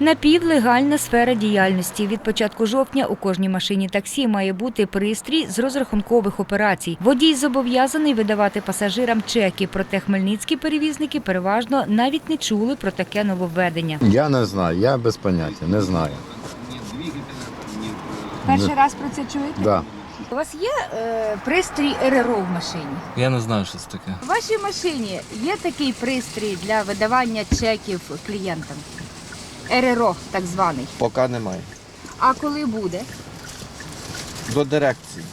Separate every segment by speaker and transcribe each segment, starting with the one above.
Speaker 1: Напівлегальна сфера діяльності. Від початку жовтня у кожній машині таксі має бути пристрій з розрахункових операцій. Водій зобов'язаний видавати пасажирам чеки, проте хмельницькі перевізники переважно навіть не чули про таке нововведення.
Speaker 2: Я не знаю, я без поняття, не знаю.
Speaker 1: Перший раз про це чуєте?
Speaker 2: Да.
Speaker 1: У вас є пристрій РРО в машині?
Speaker 3: Я не знаю, що це таке.
Speaker 1: У вашій машині є такий пристрій для видавання чеків клієнтам? РРО так званий.
Speaker 4: Поки немає.
Speaker 1: А коли буде?
Speaker 4: До дирекції.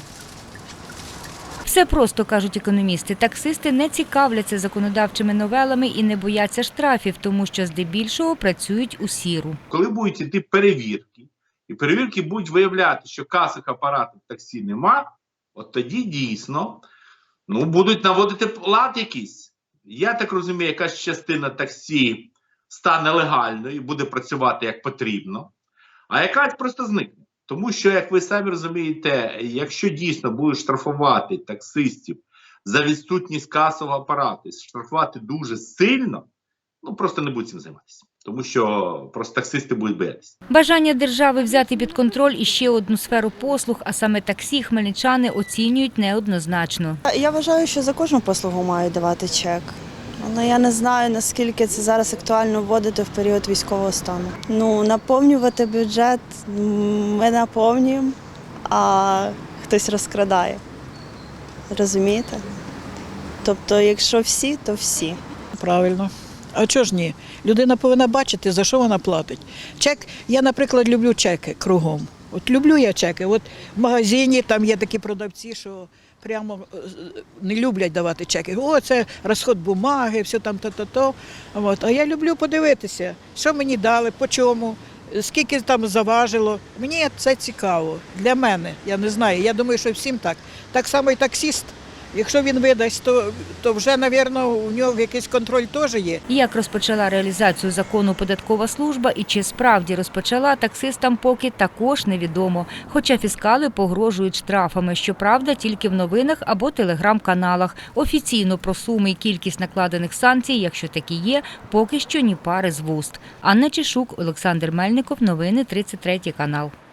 Speaker 1: Все просто, кажуть економісти. Таксисти не цікавляться законодавчими новелами і не бояться штрафів, тому що здебільшого працюють у сіру.
Speaker 5: Коли будуть йти перевірки, і перевірки будуть виявляти, що касових апаратів таксі нема, от тоді дійсно будуть наводити лад якийсь. Я так розумію, якась частина таксі стане легальною і буде працювати як потрібно, а якась просто зникне. Тому що, як ви самі розумієте, якщо дійсно будуть штрафувати таксистів за відсутність касового апарату, штрафувати дуже сильно, просто не будуть цим займатися. Тому що просто таксисти будуть боятися.
Speaker 1: Бажання держави взяти під контроль іще одну сферу послуг, а саме таксі, хмельничани оцінюють неоднозначно.
Speaker 6: Я вважаю, що за кожну послугу мають давати чек. Але я не знаю, наскільки це зараз актуально вводити в період військового стану. Наповнювати бюджет ми наповнюємо, а хтось розкрадає. Розумієте? Тобто, якщо всі, то всі.
Speaker 7: Правильно. А чого ж ні? Людина повинна бачити, за що вона платить. Чек, я, наприклад, люблю чеки кругом. От люблю я чеки. От в магазині там є такі продавці, що прямо не люблять давати чеки. О, це розход бумаги, все там то-то-то. А я люблю подивитися, що мені дали, по чому, скільки там заважило. Мені це цікаво. Для мене, я не знаю. Я думаю, що всім так. Так само і таксист. Якщо він видасть, то вже, мабуть, у нього якийсь контроль теж є.
Speaker 1: Як розпочала реалізацію закону податкова служба і чи справді розпочала, таксистам поки також невідомо. Хоча фіскали погрожують штрафами, щоправда, тільки в новинах або телеграм-каналах. Офіційно про суми і кількість накладених санкцій, якщо такі є, поки що ні пари з вуст. Анна Чешук, Олександр Мельников, новини 33 канал.